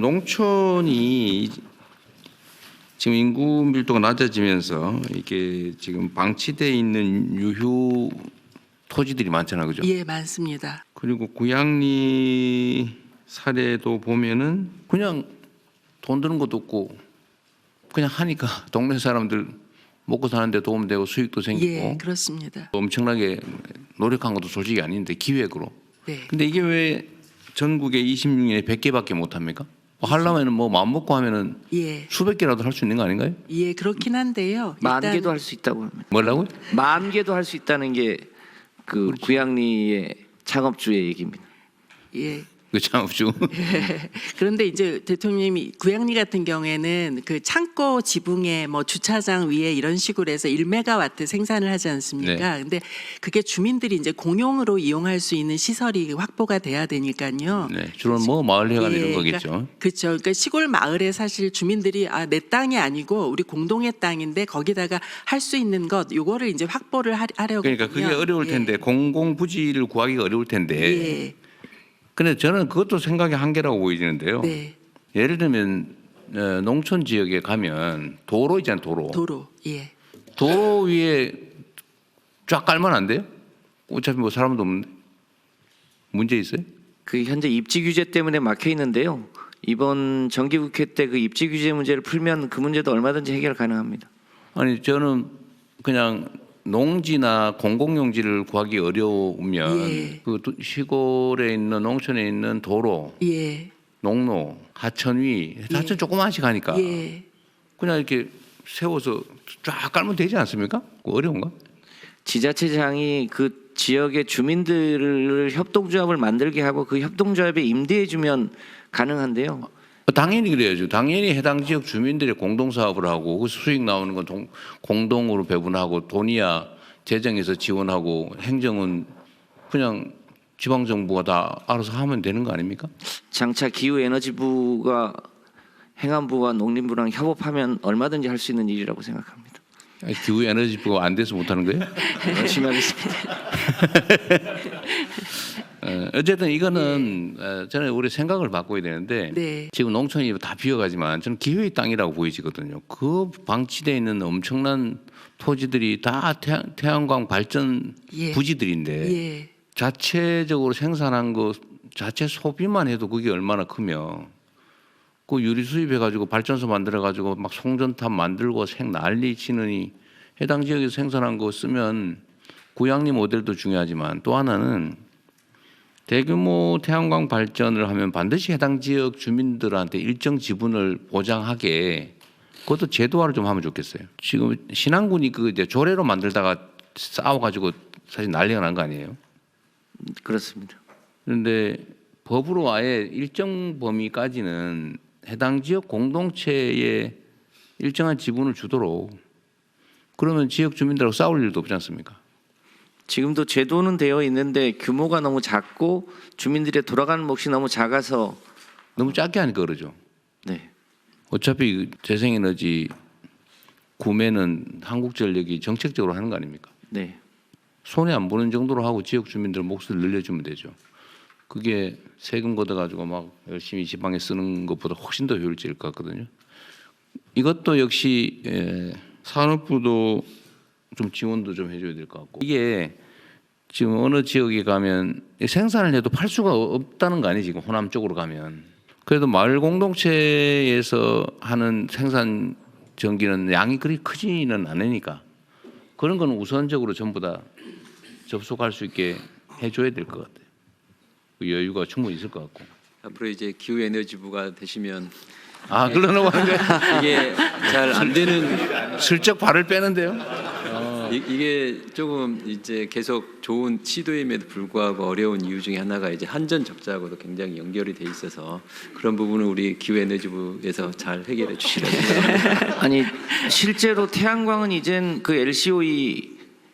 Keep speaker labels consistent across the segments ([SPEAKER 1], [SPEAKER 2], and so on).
[SPEAKER 1] 농촌이 지금 인구 밀도가 낮아지면서 이게 지금 방치돼 있는 유휴 토지들이 많잖아요, 그죠?
[SPEAKER 2] 예, 많습니다.
[SPEAKER 1] 그리고 고양리 사례도 보면은 그냥 돈 드는 것도 없고 그냥 하니까 동네 사람들 먹고 사는데 도움되고 수익도 생기고
[SPEAKER 2] 예, 그렇습니다.
[SPEAKER 1] 엄청나게 노력한 것도 솔직히 아닌데 기획으로.
[SPEAKER 2] 네.
[SPEAKER 1] 근데 이게 왜 전국에 26년에 100개밖에 못 합니까? 뭐 하려면은 뭐 마음 먹고 하면은
[SPEAKER 2] 예,
[SPEAKER 1] 수백 개라도 할 수 있는 거 아닌가요?
[SPEAKER 2] 예, 그렇긴 한데요.
[SPEAKER 3] 만
[SPEAKER 2] 일단
[SPEAKER 3] 개도 할 수 있다고 합니다.
[SPEAKER 1] 뭐라고요?
[SPEAKER 3] 만 개도 할 수 있다는 게 그 구양리의 창업주의 얘기입니다.
[SPEAKER 2] 예.
[SPEAKER 1] 그 창업주.
[SPEAKER 2] 그런데 이제 대통령님이 구양리 같은 경우에는 그 창고 지붕에 뭐 주차장 위에 이런 식으로 해서 1메가와트 생산을 하지 않습니까?
[SPEAKER 1] 네.
[SPEAKER 2] 근데 그게 주민들이 이제 공용으로 이용할 수 있는 시설이 확보가 돼야 되니까요.
[SPEAKER 1] 네, 주로 뭐 마을 회관 이런 거겠죠.
[SPEAKER 2] 그렇죠. 그러니까 시골 마을에 사실 주민들이 내 땅이 아니고 우리 공동의 땅인데 거기다가 할 수 있는 것 요거를 이제 확보를 하려고.
[SPEAKER 1] 그러니까 그게 어려울 텐데 공공 부지를 구하기가 어려울 텐데.
[SPEAKER 2] 예.
[SPEAKER 1] 근데 저는 그것도 생각의 한계라고 보이지는데요.
[SPEAKER 2] 네.
[SPEAKER 1] 예를 들면 농촌 지역에 가면 도로 있잖아요, 도로.
[SPEAKER 2] 도로. 예.
[SPEAKER 1] 도로 위에 쫙 깔면 안 돼요? 어차피 뭐 사람도 없는데. 문제 있어요?
[SPEAKER 3] 그 현재 입지 규제 때문에 막혀 있는데요. 이번 정기국회 때 그 입지 규제 문제를 풀면 그 문제도 얼마든지 해결 가능합니다.
[SPEAKER 1] 아니 저는 그냥 농지나 공공용지를 구하기 어려우면
[SPEAKER 2] 예.
[SPEAKER 1] 그 시골에 있는 농촌에 있는 도로,
[SPEAKER 2] 예.
[SPEAKER 1] 농로, 하천 위, 하천 조그만씩 하니까
[SPEAKER 2] 예.
[SPEAKER 1] 그냥 이렇게 세워서 쫙 깔면 되지 않습니까? 그거 어려운가?
[SPEAKER 3] 지자체장이 그 지역의 주민들을 협동조합을 만들게 하고 그 협동조합에 임대해 주면 가능한데요.
[SPEAKER 1] 당연히 그래야죠. 당연히 해당 지역 주민들의 공동 사업을 하고 그 수익 나오는 건 공동으로 배분하고 돈이야 재정에서 지원하고 행정은 그냥 지방 정부가 다 알아서 하면 되는 거 아닙니까?
[SPEAKER 3] 장차 기후에너지부가 행안부와 농림부랑 협업하면 얼마든지 할 수 있는 일이라고 생각합니다.
[SPEAKER 1] 기후 에너지부가 안 돼서 못 하는 거예요?
[SPEAKER 3] 열심히 하겠습니다.
[SPEAKER 1] 어쨌든 이거는 저는 우리 생각을 바꿔야 되는데
[SPEAKER 2] 네.
[SPEAKER 1] 지금 농촌이 다 비어가지만 저는 기회의 땅이라고 보이지거든요. 그 방치되어 있는 엄청난 토지들이 다 태양광 발전
[SPEAKER 2] 예.
[SPEAKER 1] 부지들인데
[SPEAKER 2] 예.
[SPEAKER 1] 자체적으로 생산한 거 자체 소비만 해도 그게 얼마나 크며 그 유리 수입해 가지고 발전소 만들어 가지고 막 송전탑 만들고 난리 치느니 해당 지역에서 생산한 거 쓰면 구양리 모델도 중요하지만 또 하나는 대규모 태양광 발전을 하면 반드시 해당 지역 주민들한테 일정 지분을 보장하게 그것도 제도화를 좀 하면 좋겠어요. 지금 신안군이 그 이제 조례로 만들다가 싸워가지고 사실 난리가 난 거 아니에요?
[SPEAKER 3] 그렇습니다.
[SPEAKER 1] 그런데 법으로 아예 일정 범위까지는 해당 지역 공동체에 일정한 지분을 주도록 그러면 지역 주민들하고 싸울 일도 없지 않습니까?
[SPEAKER 3] 지금도 제도는 되어 있는데 규모가 너무 작고 주민들의 돌아가는 몫이 너무 작아서
[SPEAKER 1] 너무 작게 하니까 그러죠.
[SPEAKER 3] 네.
[SPEAKER 1] 어차피 재생에너지 구매는 한국전력이 정책적으로 하는 거 아닙니까?
[SPEAKER 3] 네.
[SPEAKER 1] 손해 안 보는 정도로 하고 지역 주민들 몫을 늘려주면 되죠. 그게 세금 걷어가지고 막 열심히 지방에 쓰는 것보다 훨씬 더 효율적일 것 같거든요. 이것도 역시 산업부도 좀 지원도 좀 해줘야 될 것 같고 이게 지금 어느 지역에 가면 생산을 해도 팔 수가 없다는 거 아니에요. 지금 호남 쪽으로 가면 그래도 마을 공동체에서 하는 생산 전기는 양이 그리 크지는 않으니까 그런 건 우선적으로 전부 다 접속할 수 있게 해줘야 될 것 같아요. 그 여유가 충분히 있을 것 같고.
[SPEAKER 4] 앞으로 이제 기후에너지부가 되시면
[SPEAKER 1] 그러려고 하는데
[SPEAKER 4] 이게 잘 안 되는
[SPEAKER 1] 슬쩍 발을 빼는데요.
[SPEAKER 4] 이게 조금 이제 계속 좋은 시도임에도 불구하고 어려운 이유 중에 하나가 이제 한전 적자하고도 굉장히 연결이 돼 있어서 그런 부분은 우리 기후에너지부에서 잘 해결해 주시라고 생각합니다.
[SPEAKER 3] 아니 실제로 태양광은 이젠 그 LCOE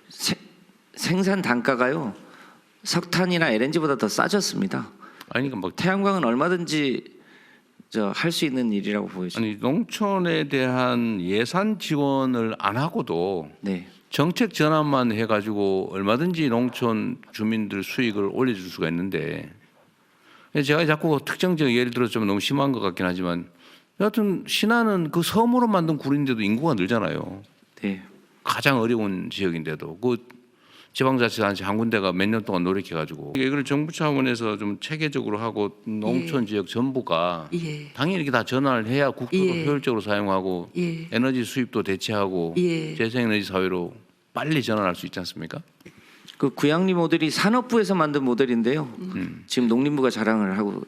[SPEAKER 3] 생산 단가가요 석탄이나 LNG보다 더 싸졌습니다.
[SPEAKER 1] 아니 그러니까 막
[SPEAKER 3] 태양광은 얼마든지 할 수 있는 일이라고 보여집니다.
[SPEAKER 1] 아니 농촌에 대한 예산 지원을 안 하고도
[SPEAKER 3] 네.
[SPEAKER 1] 정책 전환만 해가지고 얼마든지 농촌 주민들 수익을 올려줄 수가 있는데 제가 자꾸 특정적 예를 들어서 좀 너무 심한 것 같긴 하지만 여하튼 신안은 그 섬으로 만든 구리인데도 인구가 늘잖아요.
[SPEAKER 3] 네.
[SPEAKER 1] 가장 어려운 지역인데도 그 지방자치단체 한 군데가 몇 년 동안 노력해가지고 이걸 정부 차원에서 좀 체계적으로 하고 농촌 지역 전부가
[SPEAKER 2] 예.
[SPEAKER 1] 당연히 이렇게 다 전환을 해야 국토도
[SPEAKER 2] 예.
[SPEAKER 1] 효율적으로 사용하고
[SPEAKER 2] 예.
[SPEAKER 1] 에너지 수입도 대체하고
[SPEAKER 2] 예.
[SPEAKER 1] 재생에너지 사회로 빨리 전환할 수 있지 않습니까?
[SPEAKER 3] 그 구양리 모델이 산업부에서 만든 모델인데요. 지금 농림부가 자랑을 하고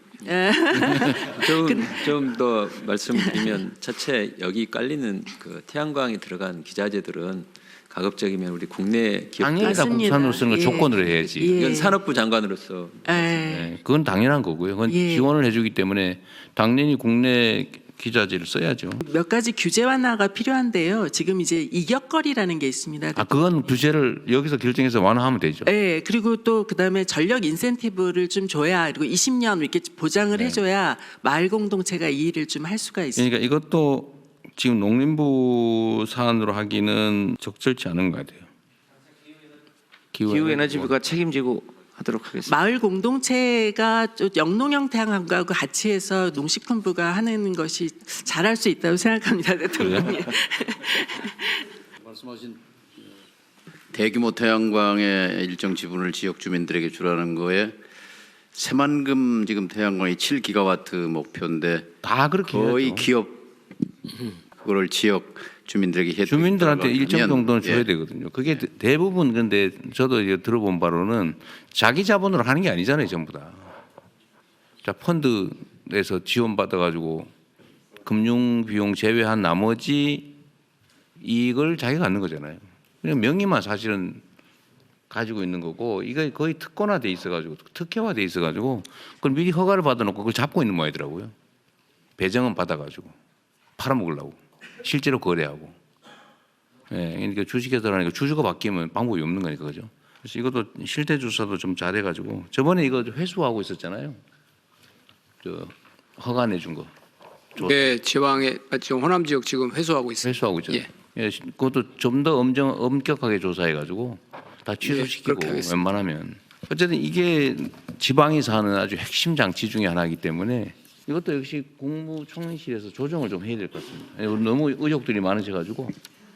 [SPEAKER 4] 좀 더 말씀드리면 차체 여기 깔리는 그 태양광이 들어간 기자재들은 가급적이면 우리 국내 기업
[SPEAKER 1] 당연히 다
[SPEAKER 2] 맞습니다.
[SPEAKER 1] 국산으로서는
[SPEAKER 2] 예.
[SPEAKER 1] 조건으로 해야지.
[SPEAKER 2] 예.
[SPEAKER 4] 이건 산업부 장관으로서
[SPEAKER 2] 예.
[SPEAKER 1] 네, 그건 당연한 거고요. 그건
[SPEAKER 2] 예.
[SPEAKER 1] 지원을 해주기 때문에 당연히 국내 기자재를 써야죠.
[SPEAKER 2] 몇 가지 규제 완화가 필요한데요. 지금 이제 이격거리라는 게 있습니다.
[SPEAKER 1] 아 그건 규제를 여기서 결정해서 완화하면 되죠.
[SPEAKER 2] 네, 그리고 또 그다음에 전력 인센티브를 좀 줘야 그리고 20년 이렇게 보장을 해줘야 마을 공동체가 이 일을 좀 할 수가 있습니다.
[SPEAKER 1] 그러니까 이것도 지금 농림부 사안으로 하기는 적절치 않은 것 같아요.
[SPEAKER 3] 기후에너지부가 책임지고 하도록 하겠습니다.
[SPEAKER 2] 마을 공동체가 좀 영농형 태양광과 같이 해서 농식품부가 하는 것이 잘할 수 있다고 생각합니다, 대통령님.
[SPEAKER 5] 대규모 태양광의 일정 지분을 지역 주민들에게 주라는 거에 새만금 지금 태양광이 7기가와트 목표인데
[SPEAKER 1] 다 그렇게
[SPEAKER 5] 거의
[SPEAKER 1] 해야죠.
[SPEAKER 5] 기업 그거를 지역 주민들에게 혜택이
[SPEAKER 1] 주민들한테
[SPEAKER 5] 들어가면,
[SPEAKER 1] 일정 정도는 줘야
[SPEAKER 5] 예.
[SPEAKER 1] 되거든요. 그게 대부분 근데 저도 이제 들어본 바로는 자기 자본으로 하는 게 아니잖아요, 전부 다. 자 펀드에서 지원 받아가지고 금융 비용 제외한 나머지 이익을 자기가 갖는 거잖아요. 그냥 명의만 사실은 가지고 있는 거고 이거 거의 특권화돼 있어가지고 특혜화돼 있어가지고 그걸 미리 허가를 받아놓고 그걸 잡고 있는 모양이더라고요. 배정은 받아가지고 팔아먹으려고. 실제로 거래하고. 예, 그러니까 주식회사라니까 주주가 바뀌면 방법이 없는 거니까 그죠. 그래서 이것도 실태 조사도 좀 잘해가지고 저번에 이거 회수하고 있었잖아요. 저 허가 내준 거.
[SPEAKER 6] 네, 지방에 지금 호남 지역 지금 회수하고 있습니다.
[SPEAKER 1] 회수하고 있잖아요.
[SPEAKER 6] 예.
[SPEAKER 1] 예, 그것도 좀 더 엄격하게 조사해가지고 다 취소시키고
[SPEAKER 6] 그렇게 하겠습니다.
[SPEAKER 1] 웬만하면 어쨌든 이게 지방에서 하는 아주 핵심 장치 중에 하나이기 때문에 이것도 역시 국무총리실에서 조정을 좀 해야 될 것 같습니다. 예, 너무 의혹들이 많으셔가지고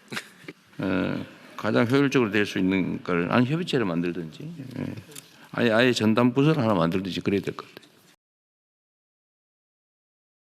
[SPEAKER 1] 가장 효율적으로 될 수 있는 걸 아니 협의체를 만들든지 아예 전담 부서를 하나 만들든지 그래야 될 것 같아요.